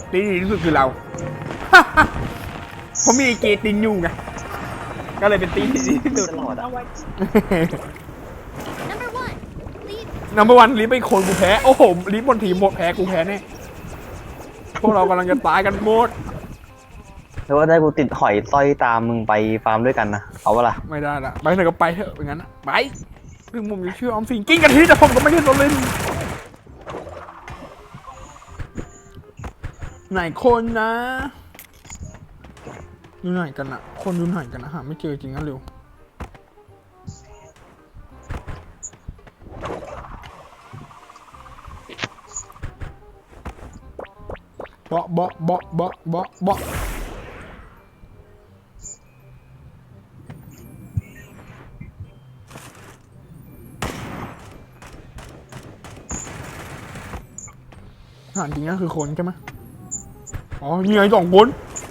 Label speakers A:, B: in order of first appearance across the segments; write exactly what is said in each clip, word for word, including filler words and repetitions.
A: ตีดีที่สุดคือเราเพราะมีไอเกตินอยู่ไงก็เลยเป็นตีที่ดีที่สุด นัมเบอร์วันลิฟไปคนกูแพ้โอ้โหลิฟบนทีมหมดแพ้กูแพ้แน่พวกเรากำลังจะตายกันหมด
B: แล้วว่าได้กูติดหอยสร้อยตามมึงไปฟาร์มด้วยกันนะเอาวะล่ะ
A: ไม่ได้ละไปไหนก็ไปเถอะอย่างนั้นนะไปถึงผมจะเชื่อออมสินกิ้งกันทีแต่ผมก็ไม่ได้โดนเล่นไหนคนนะอยู่ไหนกันอะคนอยู่ไหนกันนะหาไม่เจอจริงนะเร็วเบาะเบาะเบาะเบาะเบาะเบาะหาจริงก็คือคนใช่ไหมอ๋อนี่ไงสองคน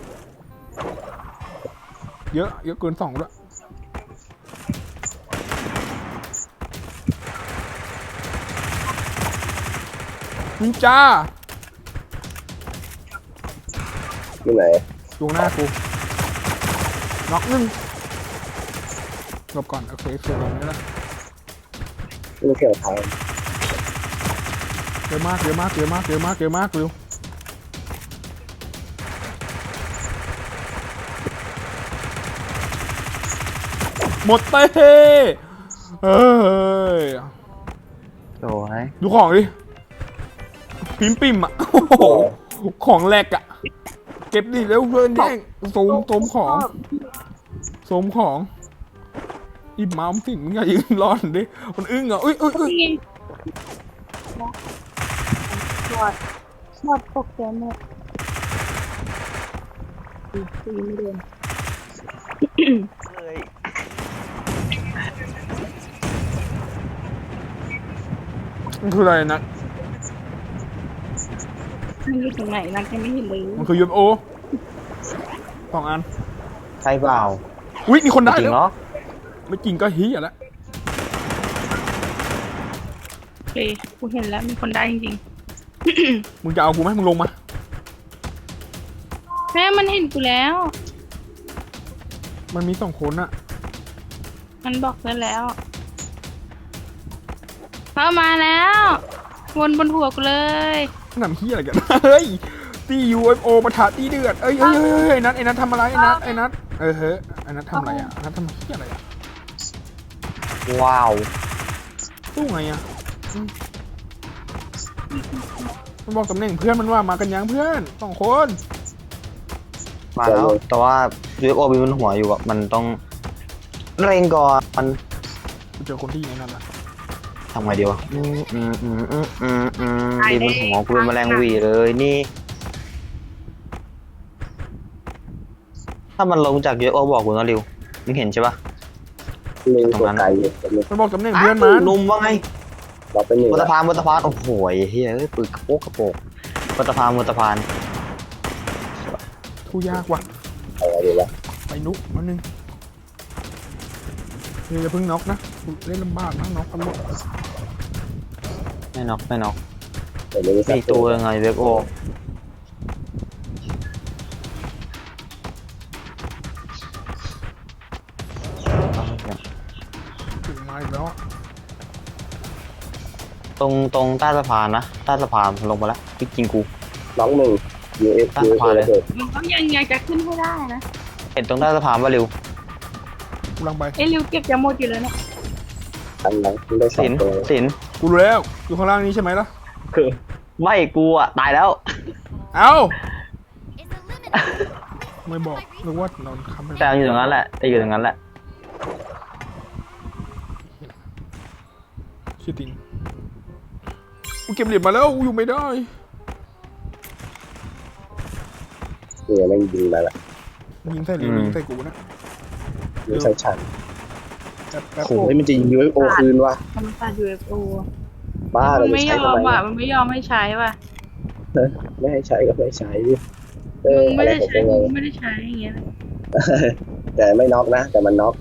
A: เยอะเยอะเกินสองด้วยนินจา
C: ที่ไหน
A: ดวงหน้ากูน็อกหนึ่งหลบก่อนโอเคเสียลงนี่แหละ
C: ไม่เกี่ยวทาง
A: เยอะมากเยอะมากเยอะมากเยอะมากเยอะมากเร็วหมดเต้เอ้ย
B: โอ้ย
A: ดูของดิปิมปิมอ่ะโอ้โหของแหลกอ่ะเก็บดิเร็วเพื่อนแย่งโสมโสมของโสมของอีบเมาส์สิมึงอย่ายืนรอนดิมันอึ้งอ่ะอุ้ยอุ้ยอุ้ย
D: หมดหมดตกใจหมดตีตีไม่เดิน
B: เฮ้ย
A: มันคืออะไรนะ
D: มันอยู่ตรงไหนนักยังไม่เห็นเลย
A: มันคือยูเอฟโอสองอัน
B: ใช่เปล่า
A: อุ้ยมีคนได้
B: จริ
A: แล้
B: ง
A: ว
B: เหรอ
A: ไม่จริงก็เฮียแล้ว
D: โอเคกูเห็นแล้วมีคนได้จริง
A: มึงจะเอากูไหมมึงลงมา
D: ๆแม่มันเห็นกูแล้ว
A: มันมีสองคนอะ
D: มันบอกเพื่อนแล้วเข้ามาแล้ววนบนหัวกูเลย
A: หนำเฮียอะไรกัน เฮ้ยตี ยู เอฟ โอ ปะทะตีเดือดเอ้ยเอ้ยเอ้ยเอ้ยไอ้นัทไอ้นัททำอะไรไอ้นัทไอ้นัทเออเฮ้ยไอ้นัททำอะไรอะไอ้นัททำเฮียอะไรอะ
B: ว้าว
A: สู้ไงอะอืมมันบอกตำแหน่งเพื่อนมันว่ามากันยังเพื่อนสองคน
B: มาแล้ว แต่ว่า ยู เอฟ โอ มีบนหัวอยู่อะมันต้องเร่งก่อนมัน
A: กูเจอคนที่อยู่ในนั้นละ
B: ทำไงดีวะอืมอืมอืมอืมอืมอืมดีบนหัวกูเป็นแมลงหวีเลยนี่ ถ้ามันลงจาก ยู เอฟ โอ บอกกูนะริวมึงเห็นใช่ปะ
C: มีตัวไกลอยู่ตรงนี้
A: มันบอกตำแหน่งเพื่อนมัน
B: นุ่มว่าไง
C: เราเป็นหนึ่ง
B: บน
C: แล้
B: สะ
C: ว
B: พานบนสะพานโอ้โหเฮ้ยเอ้ยปืนกระโปกกระโปกบนสะพานบนสะพาน
A: ทูยากว่ะ
C: อะไรดีวะ
A: ไปนุกมันนึงเฮ้ยอย่าเพิ่งน็อกนะเล่นลำบากนะน็อกกันหมด
B: ไม่น็อกไม่น็อก
C: เดี๋ยวนี้สั
B: มีตัวยังไงเวฟโอ
A: ถึงมาอีกแล้ว
B: ตรงตรงใต้สะพานนะใต้สะพานลงมาแล้วพี่กินกู
C: น้องหนึ่ง ยู เอฟ
B: ตั้ง
C: ยู
B: ขวาเลย
C: เอฟ
D: มันก็ยังอยากจะขึ้นให้ได้นะ
B: เห็นตรงใต้สะพานป่ะริว
A: กูลังไป
D: ไอ้ริวเก็บจะหมดอยู่แล้วเนี่ย
C: อันนั้นได้สอ
B: สิ
C: ง
B: น
C: ตัว
B: สิน
A: กูรู้แล้วอยู่ข้างล่างนี้ใช่ไหมล่ะ
B: คือไม่กูอ่ะตายแล้ว
A: เอ้าไม่บอกนึกว่านอนค้ำไป
B: แต่อยู่ตรงนั้นแหละแต่อยู่ตรงนั้นแหละ
A: ชิติงกูเก็บเหรียญมาแล้วกูอยู่ไม่ได้
C: เนี่ยแม่งยิงมาละ
A: ยิงใส่เหรียญยิงใส่กูนะ
C: ยิงใส่ฉัน
A: แป๊บแป๊บ
C: โอ้ยมันจะยิง ยู เอฟ โอ คืนวะ
D: ธรรมศาสตร์ ยู เอฟ โอ
C: บ้า
D: มั
C: เรา
D: น
C: จะ
D: ไม่ย
C: ใช้
D: อ
C: ทำ
D: ม
C: ไม
D: อ่ะมันไม่ยอมให้ใช้ว่ะ
C: ไม่ให้ใช้ก็ไม่ใช้ดิเอ
D: มึ
C: อง อะ
D: ไม่
C: ไร
D: ได้
C: ของ
D: ใช้
C: พวก
D: มึ
C: เรา
D: งไม่ได้ใช้อย่างเงี้ยเลย
C: แต่ไม่น็อกนะ แต่มันน็อก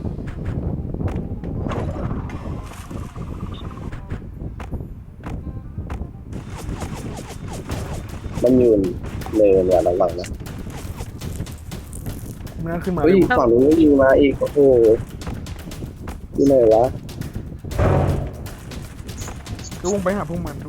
C: มันยืนเนินเนี่ยระวังนะ
A: ไม่น่าขึ้นมา
C: เฮ้ย
A: เลย
C: ฝั่งนู้นยิงมาอีกโอ้โหที่ไหนวะ
A: ก็วงไปหาพวกมันดู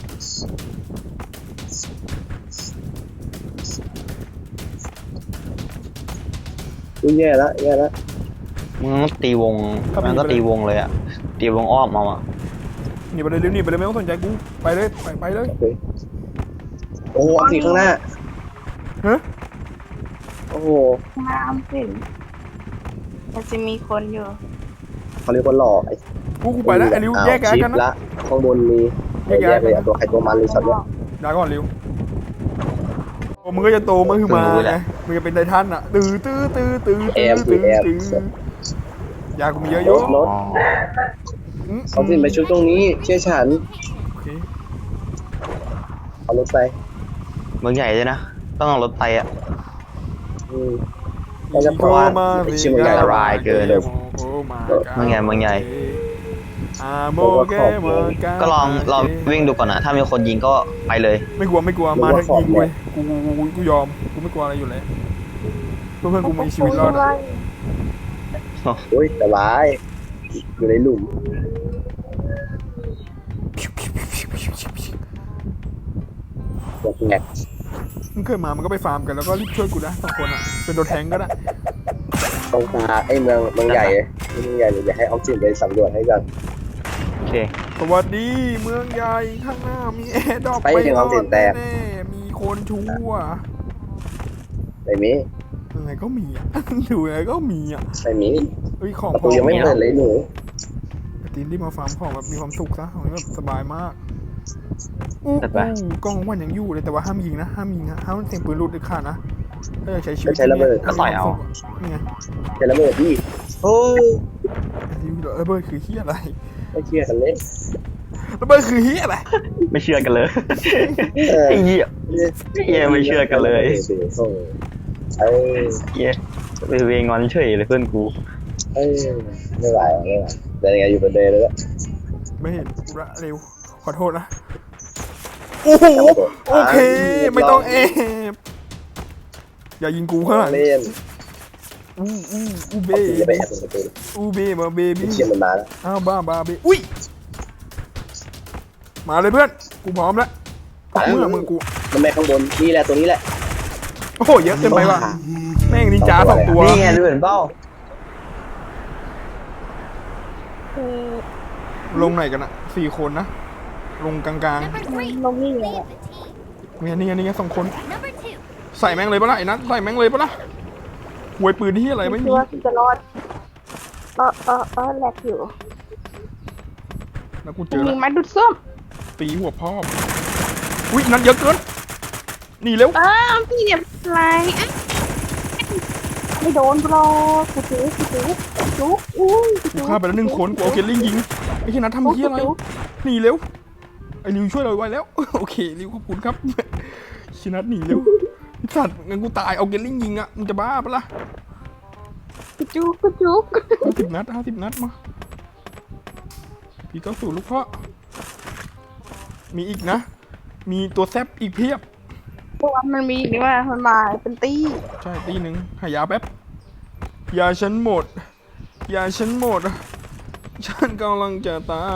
C: อุ้ยแย่ละแย่ละ
B: มึงต้องตีวงมันก็ตีวงเลยอ่ะตีวงอ้อมเอาอ่ะ
A: หนีไปเลยเร็วหนีไปเลยไม่ต้องสนใจกูไปเลยไปไปเลย
C: โอเคโอ้โหอันสีข้างหน้า
A: ฮะ
C: โอ้โห
D: น้ำสิมันจะมีคนอยู่
C: เขาเรียกว่าหล่อไอ้
A: กูกูไปแล้วไอ้ริว
C: อ้าว
A: แยกกัน
C: ชิป
A: กันนะ
C: ละข้างบนมี
A: แยก
C: แย
A: ย้าย
C: กเลยอะตัวใครตัวมันเลยช็อตเนี่ย
A: ด่าก่อนริวโอ้มึงก็จะโตมาคือมาไงมึงจะเป็นไททันอ่ะตื้อตื้อตื้อตื้อตื้อตื้อตื้อยากูมีเยอะอยู่
C: รถ
A: อืม
C: เอาสิไปชุดตรงนี้เชื่อฉัน
A: โอเค
C: เอารถไป
B: เมืองใหญ่เลยนะต้องเอารถไปอ่ะ
C: อืมเราจะเพราะว่าไอ้เชื่อมันใหญ่
B: อันตรายเกิน เมืองใหญ่เมืองใหญ่
A: อ่าโมเกโมกา
B: ก็ลองลองวิ่งดูก่อนนะถ้ามีคนยิงก็ไปเลย
A: ไม่กลัวไม่กลัวมาทั้งยิงกูเลยกูกูกูกูยอมกูไม่กลัวอะไรอยู่แล้วเพื่อนเพื่อนกูมีชีวิตรอดอะ
C: โอ้ยสบายอยู่ในหลุมแบบแงก
A: มึงเคยมามันก็ไปฟาร์มกันแล้วก็รีบช่วยกูนะสองคนอ่ะเป็นตัวแทงก็ได้
C: ตรงตาไอ้เมืองเมืองใหญ่เมืองใหญ่เดี๋ยวให้ออฟซินไปสำรวจให้กัน
B: โอเค
A: สวัสดีเมืองใหญ่ข้างหน้ามีแอร์ดรอป
C: ไปถึงออฟซินแตก
A: แน่ๆมีคนชั่ว
C: ไม่มี
A: ยังไงก็มีอ่ะ อยู่ยังไงก็มีอ่ะ
C: ไม่มี
A: เฮ้ยของ
C: ประตูยังไม่เปิดเลยหนู
A: ไอ้ตีนที่มาฟาร์มของแบบมีความสุขซะของนี้แบบสบายมากอู้อู้กล้องวันยังอยู่เลยแต่ว่าห้ามยิงนะห้ามยิงนะห้ามเสียงปืนหลุดเด็ดขาดนะถ้าอยากใช้ชีวิต
C: ใช้ระเบิด
B: ก็ต่อยเอา
A: นี่ไง
C: เจระเบิดพี่โอ้ย
A: ระเบิดคือเฮียอะไร
C: ไม่เชื่อกันเลย
A: ระเบิดคือเฮียอะไร
B: ไม่เชื่อกันเลย
C: เออ
B: ไอ้เหี้ย เหี้ยไม่เชื่อกันเลย
C: เออ
B: เหี้ยไปเวงอนเฉยเลยเพื่อนกู
C: เออไม่ไหวไม่ไหวแต่ยังไงอยู่บนเดย์เลยละ
A: ไม่เห็นกูละเร็วขอโทษนะโอ้โหโอเคไม่ต้องเอฟอย่ายิงกูข้างหลัง
C: เล่น
A: อู้อู้อู้เบ
C: เอาสิจะไปแอบตรงประตู
A: อู้เบมาเบบี้
C: เชียร์มันมาแล้ว
A: อ้าวบ้าบ้าเบอุ้ยมาเลยเพื่อนกูพร้อมแล้วเมื่อมึงกู
C: มันแม่ข้างบนนี่แหละตัวนี้แหละ
A: โอ้โหเยอะเกินไปว่ะแม่งนินจาสองตัว
B: นี่ไงดูเหมือนเป้า
A: ลงไหนกันอะสี่คนนะลงกลาง
E: Number three,
D: ลงนี่เลย
E: lead the team.
A: ๆเนี่ยนี่ไงนี่ไงสองคน
E: Number two,
A: ใส่แม่งเลยปะล่ะไอ้นัทใส่แม่งเลยปะล่ะหวยปืนที่อะไรไม่
D: คิ
A: มี
D: ดว่าจะรอดเออเออเออแหลกอยู่
A: แล้วกูเจ
D: ยิ
A: อแล้ว
D: งไม้ดูดส้ม
A: ตีหัวพ่ออุ้ยนัทเยอะเกินหนีเร็ว
D: อ้าวพี่เนี่ยอะไรอ่ะไม่โดนหรอกกูจุ๊กกูจุ๊กจุ๊กอุ้ย
A: กูฆ่าไปแล้วหนึ่งคนกูเอาเกลลิงยิงไอ้ที่นัททำเหี้ยอะไรหนีเร็วไอ้ริวช่วยเราไว้แล้ว โอเคริวขอบคุณครับชินัทหนีเร็วไอ้สัตว์งั้นกูตายเอาเกลลิงยิงอะมึงจะบ้าปะล่ะ
D: กูจุ๊กกูจุ๊ก
A: ห้าสิบนัดห้าสิบนัดมาพี่เก้าสู่ลูกพ่อมีอีกนะ มีตัวแซบอีกเพียบ
D: เพราะว่ามันมีนี่ว่ามันมาเป็นตี้
A: ใช่ตีหนึ่งหายาแป๊บยาฉันหมดยาฉันหมด ฉันกำลังจะตาย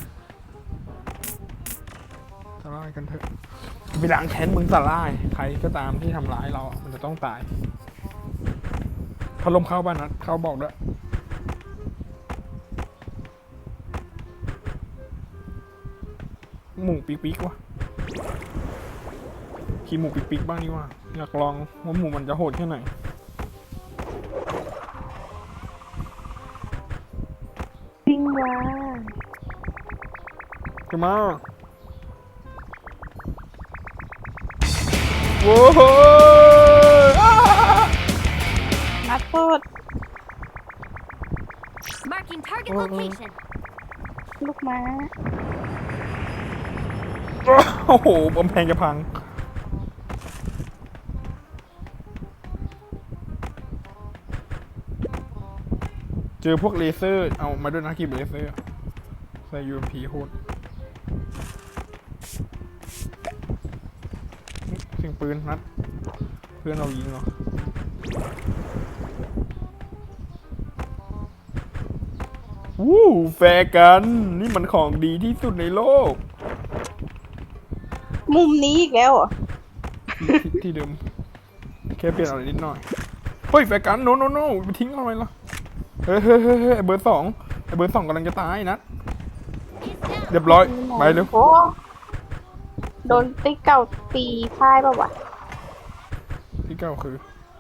A: สลายกันเถอะไปล้างแค้นมึงสลายใครก็ตามที่ทำร้ายเราอะมันจะต้องตายพัดลมเข้าบ้านนัดเข้าบอกด้วยหมูปีกปีกวะขี่หมูปีกปีกบ้างนี่ว่าอยากลองว่าหมูมันจะโหดแค่ไหน
D: จริงว่ะ
A: ขึ้นมาโว้โหอ้า
D: นัดโทษ
E: marking target
A: Uh-uh.
E: location.
D: ลูกม้า
A: โอ้โหกำแพงจะพัง เจอพวกเลเซอร์ เอามาด้วยนะกีบเลเซอร์ ใส่ ยู เอ็ม พี โหดเสียงปืนนัดเพื่อนเรายิงเหรอวู้แฟร์กันนี่มันของดีที่สุดในโลก
D: มุมนี้อีกแล้วเหรอ
A: ที่ที่เดิมแค่เปลี่ยนอะไรนิดหน่อยเฮ้ยแฟร์กันโนโนโนไปทิ้งเอาไว้ละเฮ้ยเฮ้ยเฮ้ยเฮ้ยไอเบอร์สองไอเบอร์สองกำลังจะตายนะเรียบร้อยไปเร็ว
D: โอ้โดนติ๊กเก่าตีพ่ายป่าวะ
A: ที่เก้าคือ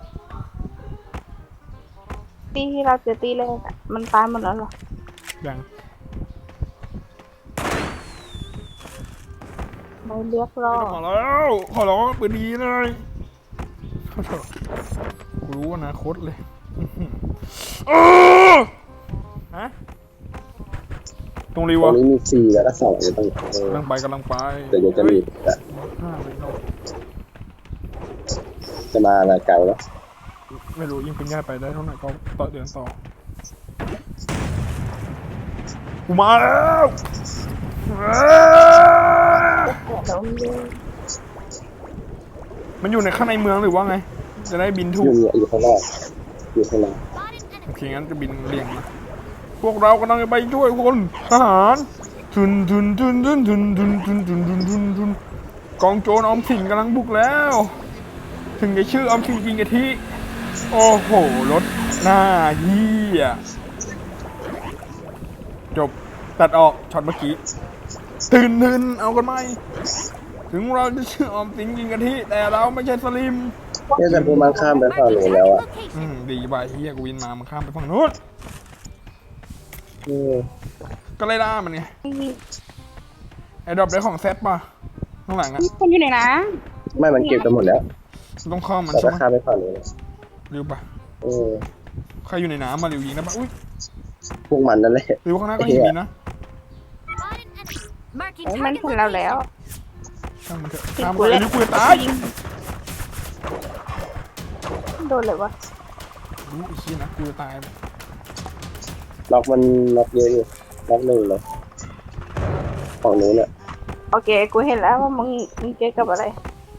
D: ตีที่เราเจอตีแรกอะมันตายหมดแล้วเหรอ
A: ยัง
D: ไม่เรียกรอ
A: ขอแล้วขอร้องปืนดีเลยขอโทษกูรู้อนาคตเลยอื้อหือเออฮะตรงรี
C: ตร
A: วะ
C: งนี้มีสี่แล้วก็สองอยู่ตรงนี้เออก
A: ำลังไปกำลังไป
C: เดี๋ยวเดี๋ยวจะมีแต่
A: ห้าไปเนาะ
C: จะมาอะไรไกลแล้ว
A: ไม่รู้ยิงเป็นง่ายไปได้เท่าไหร่ก็ต่อเดือนต่อกูมาแล้วอ้า
D: เดี๋ยวเร็ว
A: มันอยู่ในข้างในเมืองหรือว่าไง จะได้บินถู
C: อก ยู่เนี่ยอยู่ข้างนอกอยู่ข้างนอก
A: โอเคงั้นจะบินเรียงนะพวกเรากำลังจะไปช่วยคนทหารทุนทุนทุนทุนทุนทุนทุนทุนทุนทุนทุนกองโจรออมสินกำลังบุกแล้ว ถึงจะชื่อออมสินกินกะทิโอ้โหรถหน้าเฮียจบตัดออกช็อตเมื่อกี้ตื่นตื่นเอากันไหมถึงเราจะชื่อออมสินกินกะทิแต่เราไม่ใช่สลิม
C: เนี่ยแต่พวกมันข้ามไปฝั่งนู้นแล้วอ่ะ
A: อืมดีไปเฮียกูวินมามันข้ามไปฝั่งนู้น
C: เออ
A: ก็เลยล่ามันไง
D: มี
A: ไอ้ดรอปได้ของแซปป่ะข้างหลังอะ
D: คนอยู่ไหนนะ
C: ไม่มันเก็บกันหมดแล้ว
A: ต้องเข้ามัน
C: แต่
A: ใช่
C: ก็
A: ไหม
C: ข้ามไปฝั่งนู้นแล้ว
A: ริวป่ะ
C: เออ
A: ใครอยู่ในน้ำมาริวยิงได้ป่ะอุ้ย
C: พวกมันนั่นแหละ
A: ริวข้างหน้าก็ยิงมีนะ
E: Marking
D: โอ้ยมัน
E: target
D: เห็นเราแล้ว
E: location.
A: ช่างมันเถอะ
D: ติด
A: ตาม
D: กู
A: ไป
D: เลย
A: ริวกูจะตาย
D: โดนเลยวะ
A: รู้อีกทีนะกูจะตาย
C: ล็อกมันล็อกเยอะอยู่ล็อกหนึ่งเลยฝั่งนู้นเนี่ย
D: โอเคกูเห็นแล้วว่ามึงมึงเจอกับอะไร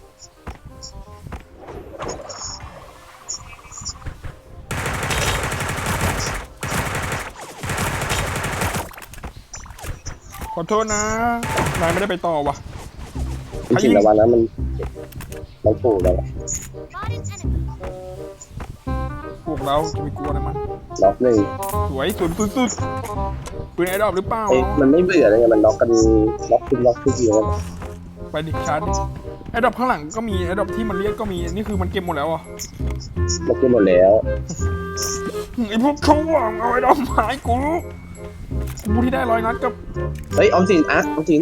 A: ขอโทษนะนายไม่ได้ไปต่อว่ะ
C: จริงๆระวังนะมันมันปูแล้วอะ
E: Spotted enemy.
A: พวกเราจะไปกลัวอะไรมัน
C: ล็อกหนึ่ง
A: สวยสุดสุดสุดปืนไอ้ดรอปหรือเปล่า
C: เอ้ยมันไม่เบื่อเลยไงมันล็อกกันล็อกขึ้นล็อกขึ้นเยอะ
A: ไปดิชาร์จดิไอ้ดรอปข้างหลังก็มีไอ้ดรอปที่มันเรียกก็มีนี่คือมันเก็บหมดแล้วอ่ะ
C: ล็อกขึ้นหมดแล้ว
A: ไอ้พวกเขาหวังเอาไอ้ดรอปหายกูกูที่ได้ร้อยนัดกับ
C: เฮ้ยออมสินอ่ะออมสิน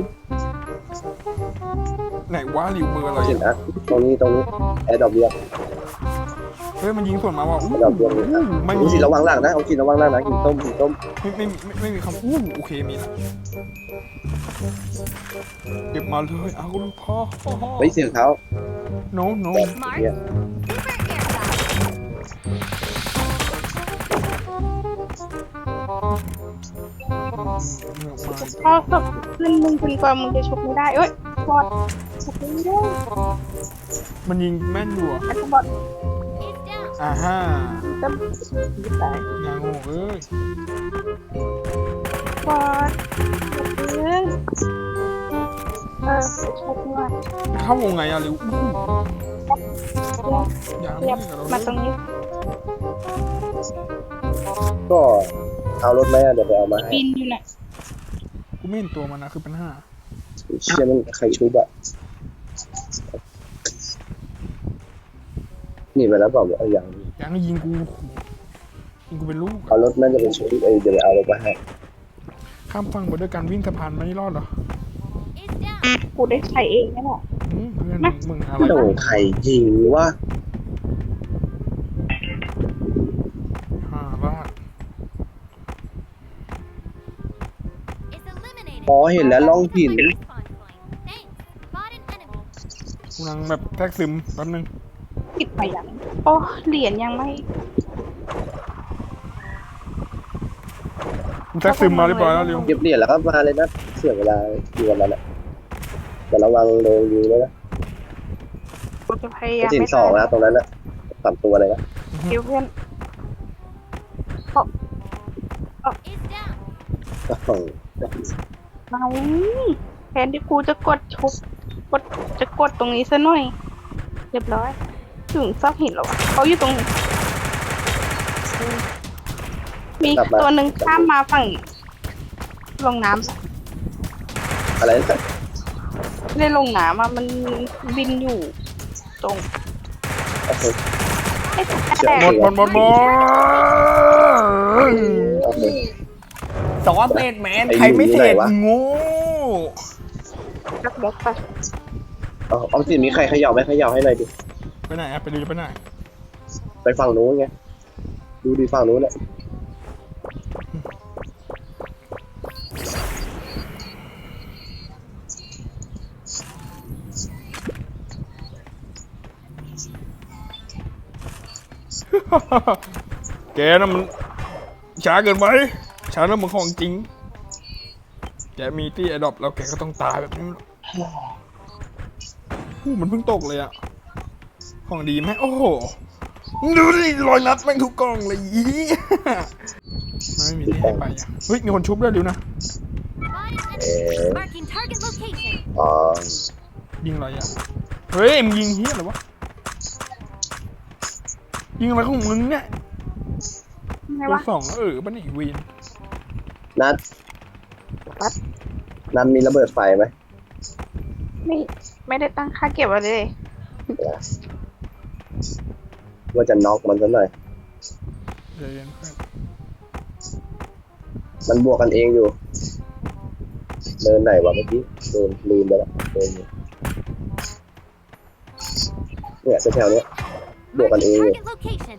A: ไหนว่าริวเบอร์อะ
C: อ
A: ไร
C: อมสิน
A: อะ
C: อ่ะตรงนี้ตรงนี้แอร์ดรอปเรียก
A: เฮ้ยมันยิงส่วนมาว่ะอู้
C: แอร์ดรอปเรียกเลย
A: อู้
C: อ่ะ
A: ไม่
C: ออ
A: มี
C: มสินระวังหลังนะออมสินระวังหลังนะกินต้มกินต้ม
A: ไม่ไม่ไม่ไม่มีคำอู้โอเคมีนะเก็บมาเลยเอาลูกพ่อ
C: เฮ้ยเสียงเท้า
A: โนโน
E: Mark.
C: เนี่ย
E: Super aircraft.
D: พอสักขึ้นมึงจนกว่ามึงจะชกไม่ได้เอ้ยบอดชกไม่ได้
A: มันยิงแม่นอยู่อ่ะ
D: อันบอด
E: It's down.
A: อ่าฮะ
D: จะยิบตาย
A: งางโง่เอ้ย
D: บอดเอ้ยเออชกมา
A: เข้าวงไงอะริวอู้อย่า
D: เรี
A: ไม่
D: ยบ
A: กับเรา
D: มาตรงนี้
C: ก็เอารถไหมอ่ะเดี๋ยวไปเอามาให้
D: บินอยู่น่ะ
A: กูไม่เห็นตัวมันนะคือปัญหา
C: เชื่อมันใครชุบอ่ะหนีไปแล้วเปล่าเอาอย่างนี้
A: อย่างนี้ยิงกูยิงกูเป็นลูก
C: เอารถน่าจะเป็นชุบเอ้ยเดี๋ยวไปเอารถมาให้
A: ข้ามฝั่งไปด้วยการวิ่งสะพานไม่รอดเหรอ
E: It's down.
D: กูได้ใช้เองนี่แหละ
A: อืมเพื่อนมึงอะไร
C: โอ้ใครยิงวะ
A: ห้าบ้า
E: It's eliminated.
C: อ๋อเห็นแล้วล่องหิน
E: Respawn point. Thanks. Spotted enemy.
A: กูนั่งแบบแทรกซึมแป๊บนึง
D: ติดไปยังโอ้เหรียญยังไม่
A: กูแทรกซึมมาเรียบร้อยแล้วริว
C: เก็บเหรียญแล้วก็มาเลยนะเสียเวลาอยู่กับมันอ่ะแต่ระวังโดนยิงด้วยนะ
D: กูจะพยายาม
C: สิน
D: ไม่
C: สอง
D: ตาย
C: นะตรงนั้นนะสามตัวเลยนะ
D: คิวเพื่อน
E: Is down.
D: เอาแทนที่กูจะกดชุบกดจะกดตรงนี้ซะหน่อย เรียบร้อย ถึงซอกหินแล้วอะเขาอยู่ตรงนี้มีตัวหนึ่งข้ามมาฝั่งลงน้ำ
C: อะไรนะ
D: ไม่ได้ลงน้ำอะมันบินอยู่ตรง
C: โอเค
D: ไอ้แต่
A: หมดหมดหมดหมด
C: โอเค
A: สองเศษแมนใครไม่เศษโง่
D: รักบล็อกไป
C: เอาเอาสิมีใครเขย่าไหมเขย่าให้หน่อยดิ
A: ไปไหนอะไปดูไปไหน
C: ไปฝั่งนู้นไงดูดีฝั่งนู้นแหละ
A: แกน่ะมันช้าเกินไปช้าแล้วมันของจริง แกมีที่ไอดอปแล้วแกก็ต้องตายแบบนี้อู้มันเพิ่งตกเลยอะของดีไหมโอ้โหดูดิรอยนัดแม่งทุกกล่องเลยอีไม่มีที่ให้ไปอะเฮ้ยมีคนชุบด้วยดิวนะ
E: Spotted
C: เอ๊
E: enemy.
C: ะ
E: Marking target location.
C: อ๋อ
A: ยิงอะไรอะเฮ้ยมึงยิงเฮียอะไรวะยิงอะไรของมึงเนี่ย
D: ไง
A: ตัว
D: วะ
A: สองเออบ้านอีวีน
C: นัดนัดมีระเบิดไฟไหม
D: ไม่ไม่ได้ตั้งค่าเก็บไว้เลย
C: นะว่าจะน็อกมันซะหน่อย
A: เดี๋ยวเย็นเพื่อน
C: มันบวกกันเองอยู่เดินไหนวะเมื่อกี้เดินลืมไปแล้วเดินอยู่เนี่ยแถวๆเนี้ยบวกกันเอง
E: Marking
C: อยู่
E: target location.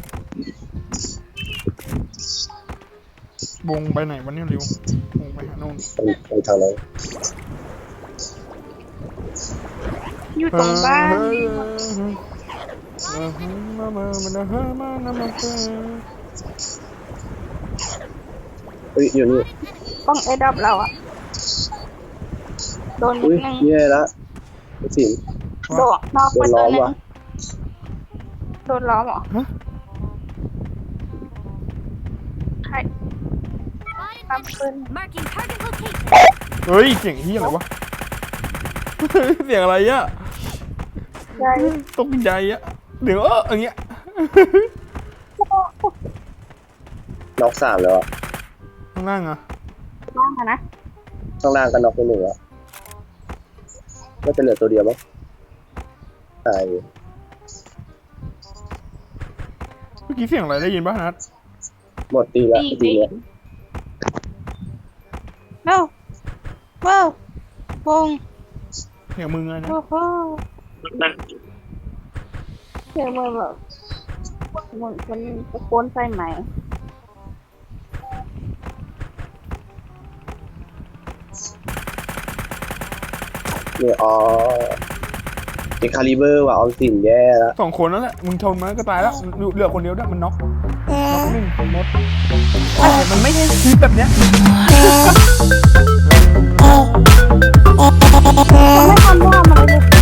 A: วงไปไหนวันนี้ริววงไปหาโน่น
C: ไปไปทางนั้น
D: อยู่ตรงบ้าน
C: เฮ้ยอยู่นี่
D: กล้องไอ้ดับเราอะโดนนิ
C: อุ้
D: ด
C: ย
D: นึง
C: แย่ละไอ้สิน
D: โดดนอก
C: โด
D: ไป
C: น
D: ตั
C: ล้
D: ว
C: อม
D: นึง
C: ว่ะ
D: โดนล้อมเหรอใคร
E: Spotted
D: ตาม
E: enemy.
D: ปืน
E: Marking target location.
A: เฮ้ยเสียงเฮียอะไรวะ เสียงอะไรอะ
D: ใช่
A: ตกใจอะเดี๋ยวเอออย่างเงี้ย
C: น็อกสามแล้วอะ
A: ข้างล่างอะ
D: บ้างอะนะ
C: ข้างล่างก็น็อกไปหนึ่งแล้วก็จะเหลือตัวเดียวมั้งตายอยู่
A: เมื่อกี้เสียงอะไรได้ยินป่ะนัด
C: หมดตีแล้ว
D: ดี
C: ตี
D: ดี
C: เนี้ย
D: เร็วเว้าววง
A: เสียงมึงไงนะ
D: โอ้โหเสียงมันแบบเหมือนคนตะโกนใส่ไหม
C: เนี่ยอ๋อเอ็กคาลิเบอร์ว่ะออมสินแย่แล้ว
A: สองคนนั่นแหละมึงชนมันก็ตายแล้วเหลือคนเดียวได้มันน็อกน็อกหนึ่งหมดมันไม่ใช่คลิปแบบเนี้ย
D: มันไม่ทำว่ามันเลย